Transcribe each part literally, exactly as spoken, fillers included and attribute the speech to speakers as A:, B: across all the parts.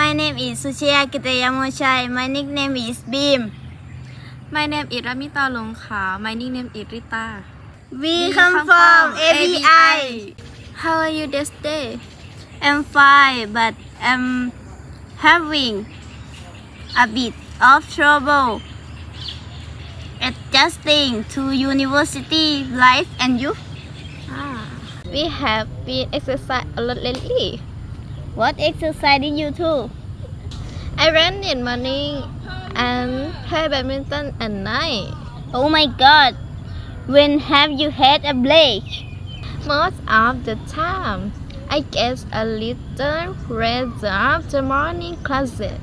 A: My name is Suchiya Kitayamochai. My nickname is Beam.
B: My name is Ramita Longkha. My nickname is Rita.
A: We, come, from A B I.
B: How are you this day?
A: I'm fine, but I'm having a bit of trouble adjusting to university life. And you?
B: Ah, we have been exercising a lot lately.
A: What exercise did you do?
B: I ran in morning and play badminton at night.
A: Oh my God! When have you had a break?
B: Most of the time, I get a little rest after morning classes.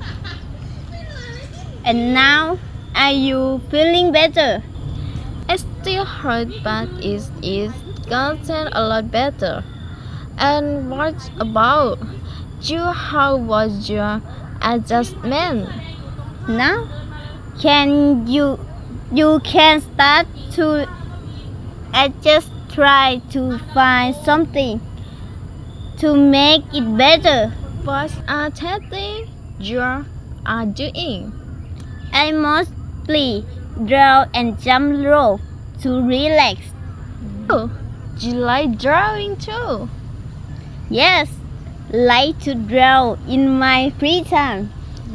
A: And now, are you feeling better?
B: It still hurts, but it is gotten a lot better. And what about you? How was your adjustment?
A: Now, can you you can start to adjust, try to find something to make it better.
B: What are testing you are doing?
A: I mostly draw and jump rope to relax.
B: Oh, you like drawing too?
A: Yes, like to draw in my free time.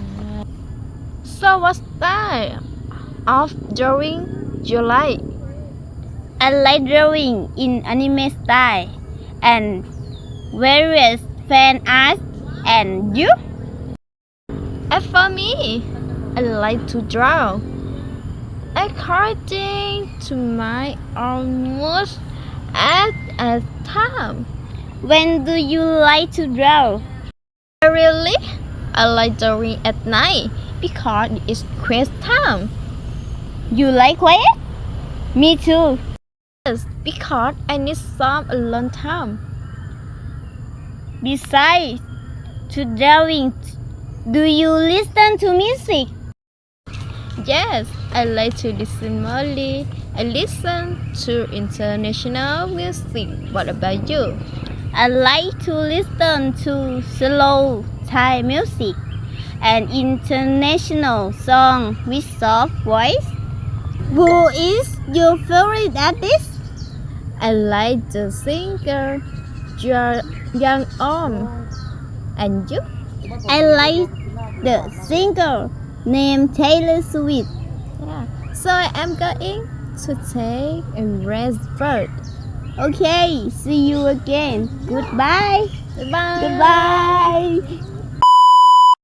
B: So what style of drawing you like?
A: I like drawing in anime style and various fan art. And you?
B: As for me, I like to draw according to my own mood at a time.
A: When do you like to draw?
B: Really, I like drawing at night because it's quiet time.
A: You like quiet? Me too.
B: Yes, because I need some alone time.
A: Besides to drawing, do you listen to music?
B: Yes, I like to listen mostly. I listen to international music. What about you?
A: I like to listen to slow Thai music and international song with soft voice. Who is your favorite artist?
B: I like the singer Young Om. And you?
A: I like the singer named Taylor Swift.
B: Yeah. So I am going to take a rest first.
A: Okay, see you again. Goodbye.
B: Goodbye.
A: Goodbye.